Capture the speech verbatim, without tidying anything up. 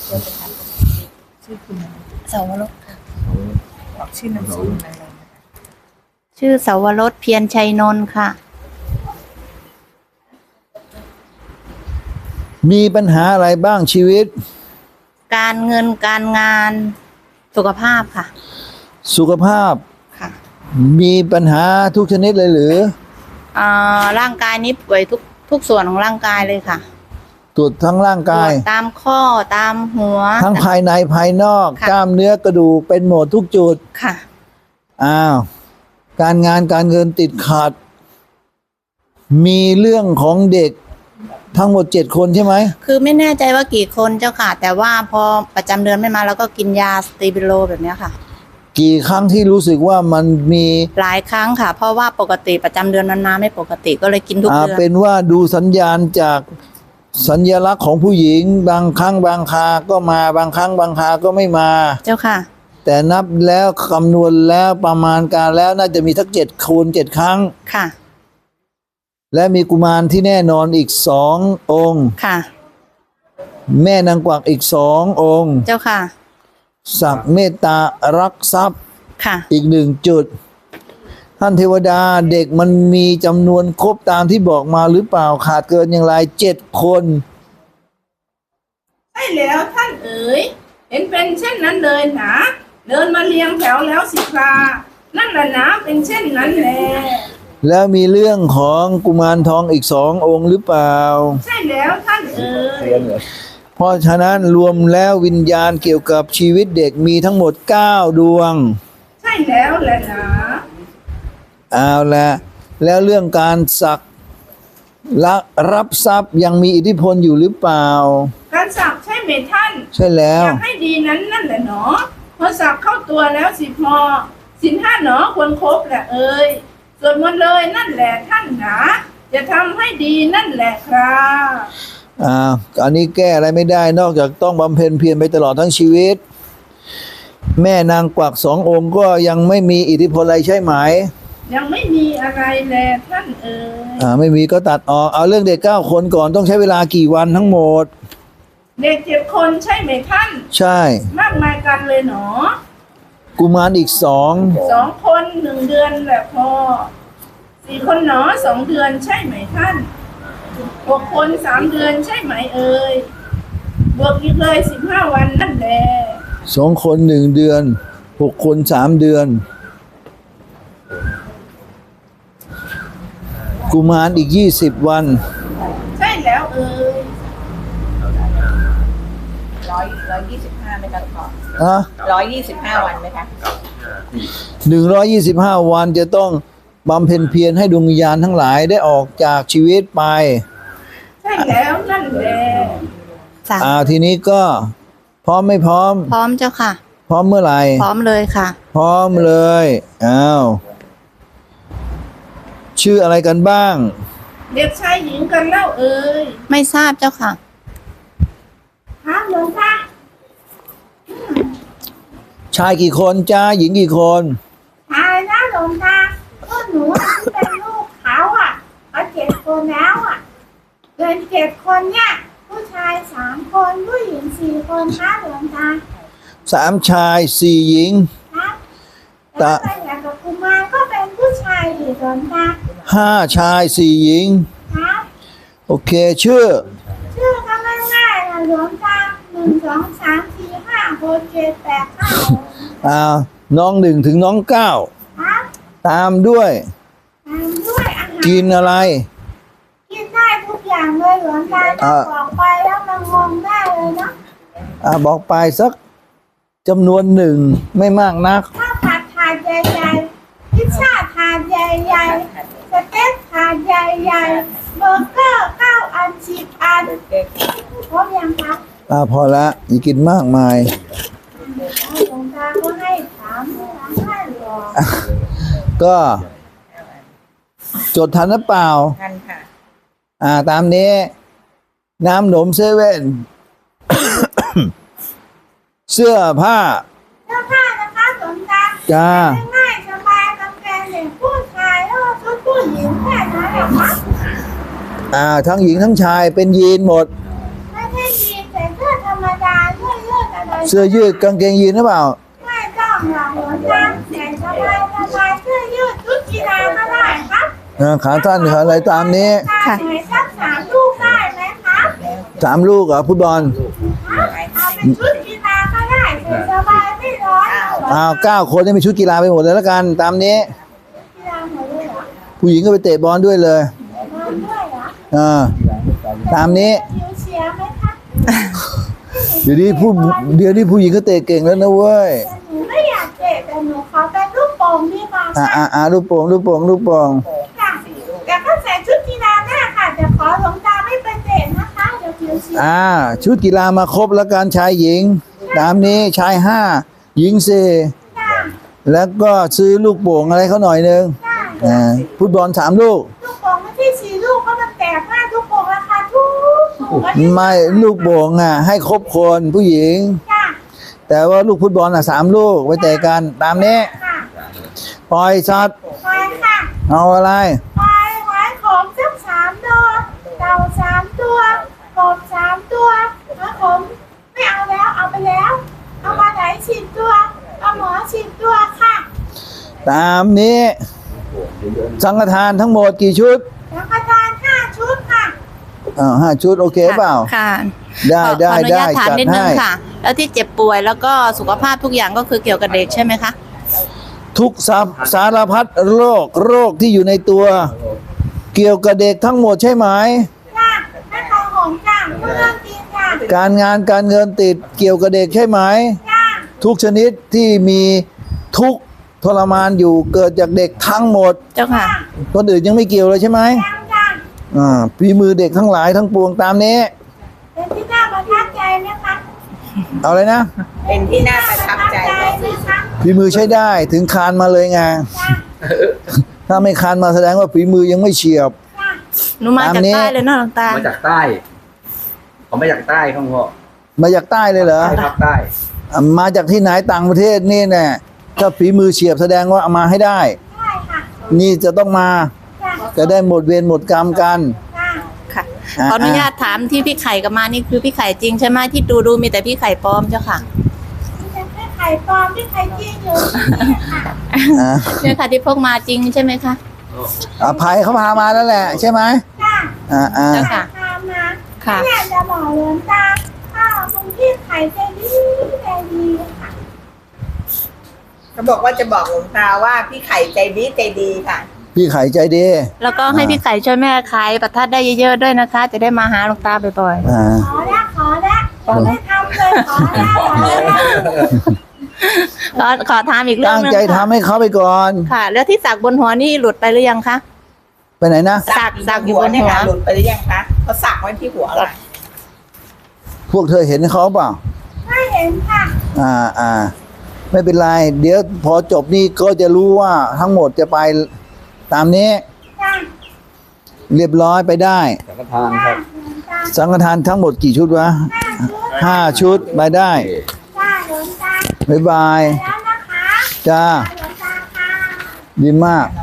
เดี๋ยวจะถามชื่อคุณอะไรสาวรสค่ะบอกชื่อนามสกุลอะไรนะคะชื่อสาวรสเพียรชัยนนท์ค่ะมีปัญหาอะไรบ้างชีวิตการเงินการงานสุขภาพค่ะสุขภาพค่ะมีปัญหาทุกชนิดเลยหรืออ่าร่างกายนี้ป่วยทุกทุกส่วนของร่างกายเลยค่ะตรวจทั้งร่างกายตามข้อตามหัวทั้งภายในภายนอกกล้ามเนื้อกระดูกเป็นหมดทุกจุดค่ะอ้าวการงานการเงินติดขัดมีเรื่องของเด็กทั้งหมดเจ็ดคนใช่ไหมคือไม่แน่ใจว่ากี่คนเจ้าค่ะแต่ว่าพอประจำเดือนไม่มาแล้วก็กินยาสเตบิโลแบบนี้ค่ะกี่ครั้งที่รู้สึกว่ามันมีหลายครั้งค่ะเพราะว่าปกติประจำเดือนมันมาไม่ปกติก็เลยกินทุกเดือนเป็นว่าดูสัญญาณจากสัญลักษณ์ของผู้หญิงบางครั้งบางคราก็มาบางครั้งบางคราก็ไม่มาเจ้าค่ะแต่นับแล้วคำนวณแล้วประมาณการแล้วน่าจะมีทั้งเจ็ดคูณเจ็ดครั้งค่ะและมีกุมารที่แน่นอนอีกสององค์ค่ะแม่นางกวักอีกสององค์เจ้าค่ะศักดิ์เมตตารักทรัพย์ค่ะอีกหนึ่งจุดท่านเทวดาเด็กมันมีจำนวนครบตามที่บอกมาหรือเปล่าขาดเกินอย่างไรเจ็ดคนใช่แล้วท่านเอ๋ยเห็นเป็นเช่นนั้นเลยนะเดินมาเรียงแถวแล้วสิครานั่นแหละนะเป็นเช่นนั้นแหละแล้วมีเรื่องของกุมารทองอีกสององค์หรือเปล่าใช่แล้วท่านเอ๋ยเพราะฉะนั้นรวมแล้ววิญญาณเกี่ยวกับชีวิตเด็กมีทั้งหมดเก้าดวงใช่แล้วแหละนะเอาละแล้วเรื่องการสักและรับทรัพย์ยังมีอิทธิพลอยู่หรือเปล่าการสักใช่ไหมท่านใช่แล้วอยากให้ดีนั้นนั่นแหละเนาะพอสักเข้าตัวแล้วสิพอสินห้าเนาะควรครบแหละเอ๋ยส่วนมันเลยนั่นแหละท่านนะจะทำให้ดีนั่นแหละครับอ่าอันนี้แก้อะไรไม่ได้นอกจากต้องบำเพ็ญเพียรไปตลอดทั้งชีวิตแม่นางกวักสององค์ก็ยังไม่มีอิทธิพลอะไรใช่ไหมยังไม่มีอะไรแลท่านเอ๋ยอ่าไม่มีก็ตัดออกเอาเรื่องเด็กเก้าคนก่อนต้องใช้เวลากี่วันทั้งหมดเด็กเจ็ดคนใช่ไหมท่านใช่มากมายกันเลยเนาะกุมารอีกสองสองคนหนึ่งเดือนแหละพอสี่คนเนาะสองเดือนใช่ไหมท่านหกคนสามเดือนใช่ไหมเอ่ยบวกอีกเลยสิบห้าวันนั่นแหละสองคนหนึ่งเดือนหกคนสามเดือนกุมารอีกยี่สิบวันใช่แล้วเอ่ยร้อยร้อยยี่สิบห้าไหมคะก่อนฮะร้อยยี่สิบห้าวันไหมคะหนึ่งร้อยยี่สิบห้าวันจะต้องบำเพ็ญเพียรให้ดวงวิญญาณทั้งหลายได้ออกจากชีวิตไปใช่แล้วนั่นแหละอ่าทีนี้ก็พร้อมไม่พร้อมพร้อมเจ้าค่ะพร้อมเมื่อไหร่พร้อมเลยค่ะพร้อมเลยอ้าวชื่ออะไรกันบ้างเด็กชายหญิงกันเล่าเอ่ยไม่ทราบเจ้าค่ะฮะหลวงตาชายกี่คนจ้าหญิงกี่คนชายนะหลวงตาพวกหนูเป็นลูกเขาอ่ะเขาเจ็ดคนแล้วอ่ะเกินเจ็ดคนเนี่ยผู้ชายสามคนผู้หญิงสี่คนนะหลวงตาสามชายสี่หญิงครับแต่อย่างกับกุมารก็เป็นผู้ชายอีกหลวงตาห้าชายสี่หญิงครับโอเคชื่อชื่อก็ง่ายๆนะหลวงตาหนึ่งสองสามสี่ห้าหกเจ็ดแปดเก้าอ่าน้องหนึ่งถึงน้องเก้าครับตามด้วยตามด้วยอาหารกินอะไรกินได้ทุกอย่างเลยหลวงตาถ้าบอกไปแล้วมันงงได้เลยนะอ่าบอกไปสักจำนวนหนึ่งไม่มากนักข้าวผัดถาดใหญ่ๆพิซซ่าถาดใหญ่ๆสเต็กถาดใหญ่ๆเบอร์เกอร์เก้าอันสิบอันพร้อมยังครับอ่าพอละอย่ากินมากมายหลวงตาก็ให้ถามถามให้หรอก็จดทันหรือเปล่าทันค่ะอ่าตามนี้น้ำหนมเซเว่น เสื้อผ้าเสื้อผ้านะคะหลวงตาจ้าง่ายสบายกางเกงเด็กผู้ชายแล้วก็ชุดผู้หญิงแค่นั้นแหละครับอ่าทั้งหญิงทั้งชายเป็นยีนหมดไม่ใช่ยีนแต่เสื้อธรรมดาเสื้ออะไรเสื้อยืดกางเกงยีนหรือเปล่าไม่ต้องหรอกหลวงตาแต่สบายสบายเสื้อยืดชุดกีฬาก็ได้ครับอ่าขาสั้นขาอะไรตามนี้ตาไหนสักสามลูกได้ไหมครับสามลูกเหรอฟุตบอลเอาเป็นชุดกีฬาก็ได้ใส่สบายไม่ร้อนหรอกอ้าวเก้าคนนี่มีชุดกีฬาไปหมดเลยแล้วกัน ตามนี้กีฬาหมดเลยเหรอผู้หญิงก็ไปเตะบอลด้วยเลยนอนด้วยเหรออ่าตามนี้ผิวเสียไหมคะเดี๋ยวนี้ผู้เดี๋ยวนี้ผู้หญิงก็เตะเก่งแล้วนะเว้ยแต่หนูไม่อยากเตะแต่หนูขอเป็นลูกโป่งดีกว่าอ่าค่ะอ่าอ่าลูกโป่งลูกโป่งลูกโป่งค่ะแต่ก็ใส่ชุดกีฬาหน้าค่ะแต่ขอหลวงตาไม่ไปเตะนะคะเดี๋ยวผิวเสียอ่าชุดกีฬามาครบแล้วกันชายหญิง ตามนี้ชายห้าหญิงสี่ค่ะแล้วก็ซื้อลูกโป่งอะไรเขาหน่อยนึงได้อ่าฟุตบอลสามลูกลูกโป่งไม่ใช่สี่ลูกเพราะมันแตกมากลูกโป่งราคาถูกถูกก็ไม่ลูกโป่งอ่ะให้ครบคนผู้หญิงค่ะแต่ว่าลูกฟุตบอลอ่ะสามลูกไว้เตะกันตามนี้ค่ะปล่อยสัตว์ไปค่ะเอาอะไรไปไว้ของสักสามตัวเต่าสามตัวกบสามตัวแล้วผมไม่เอาแล้วเอาไปแล้ว เอามาไหนสิบตัวเอาหมอสิบตัวค่ะตามนี้ สังฆทานทั้งหมดกี่ชุดแล้วก็ทานห้าชุดค่ะอ่าห้าชุดโอเคเปล่าค่ะได้ขอได้ขออนุได้ญาตถามจัดนิดนึงให้ค่ะ แล้วที่เจ็บป่วยแล้วก็สุขภาพทุกอย่างก็คือเกี่ยวกับเด็กใช่ไหมคะทุกสาสารพัดโรคโรคที่อยู่ในตัว เกี่ยวกับเด็กทั้งหมดใช่ไหมจ้าแม่ทองหอมจ้าเพื่อนกินจ้าการงานการเงินติดเกี่ยวกับเด็กใช่ไหมจ้าทุกชนิดที่มีทุกข์ทรมานอยู่เกิดจากเด็กทั้งหมดเจ้าค่ะคนอื่นยังไม่เกี่ยวเลยใช่ไหมจ้าจ้าอ่าฝีมือเด็กทั้งหลายทั้งปวงตามนี้เป็นที่น่าประทับใจไหมคะเอาเลยนะเป็นที่น่าประทับใจไหมคะฝีมือใช้ได้ถึงคานมาเลยไงจ้าถ้าไม่คานมาแสดงว่าฝีมือยังไม่เฉียบจ้าหนูมาตามจากนี้ใต้เลยเนาะหลวงตามาจากใต้เขามาจากใต้ครับพ่อมาจากใต้เลยเหรอใต้ภาคใต้อ่ะมาจากที่ไหนต่างประเทศนี่แน่ถ้าฝีมือเฉียบแสดงว่าเอามาให้ได้ได้ค่ะนี่จะต้องมาจ้าจะได้หมดเวรหมดกรรมกันจ้าค่ะอ่าขออนุญาตถามที่พี่ไข่กับมานี่คือพี่ไข่จริงใช่ไหมที่ดูดูมีแต่พี่ไข่ปลอมเจ้าค่ะที่จะให้ไข่ปลอมที่ไข่จริงอยู่นี่ค่ะอ่ะเนี่ยค่ะที่พกมาจริงใช่ไหมคะอภัยเขาพามาแล้วแหละใช่ไหมจ้าอ่าอ่าเจ้าค่ะตามมาค่ะอยากจะบอกหลวงตาถ้าคุณพี่ไข่ใจดีใจดีค่ะเขาบอกว่าจะบอกหลวงตาว่าพี่ไข่ใจดีใจดีค่ะพี่ไข่ใจดีแล้วก็ให้พี่ไข่ช่วยแม่ขายประทัดได้เยอะๆด้วยนะคะ จะได้มาหาหลวงตาบ่อยอ่าขอละขอละขอไม่ทำเลยขอละขอละๆขอขอถามอีกเรื่องตั้งหนึงใจค่ะทำให้เขาไปก่อนค่ะ แล้วที่สักบนหัวนี่หลุดไปหรือยังคะไปไหนนะสักสักอยู่หัวบนเนี่ยหัวค่ะหลุดไปหรือยังคะเขาสักไว้ที่หัวค่ะพวกเธอเห็นเขาเปล่าไม่เห็นค่ะอ่าอ่าไม่เป็นไร เดี๋ยวพอจบนี่ก็จะรู้ว่าทั้งหมดจะไปตามนี้จ้าเรียบร้อยไปได้สังฆทานครับหลวงตาสังฆทานทั้งหมดกี่ชุดวะห้าชุดห้าชุดไปได้จ้าหลวงตาบ๊ายบายแล้วนะคะจ้าหลวงตาค่ะดีมาก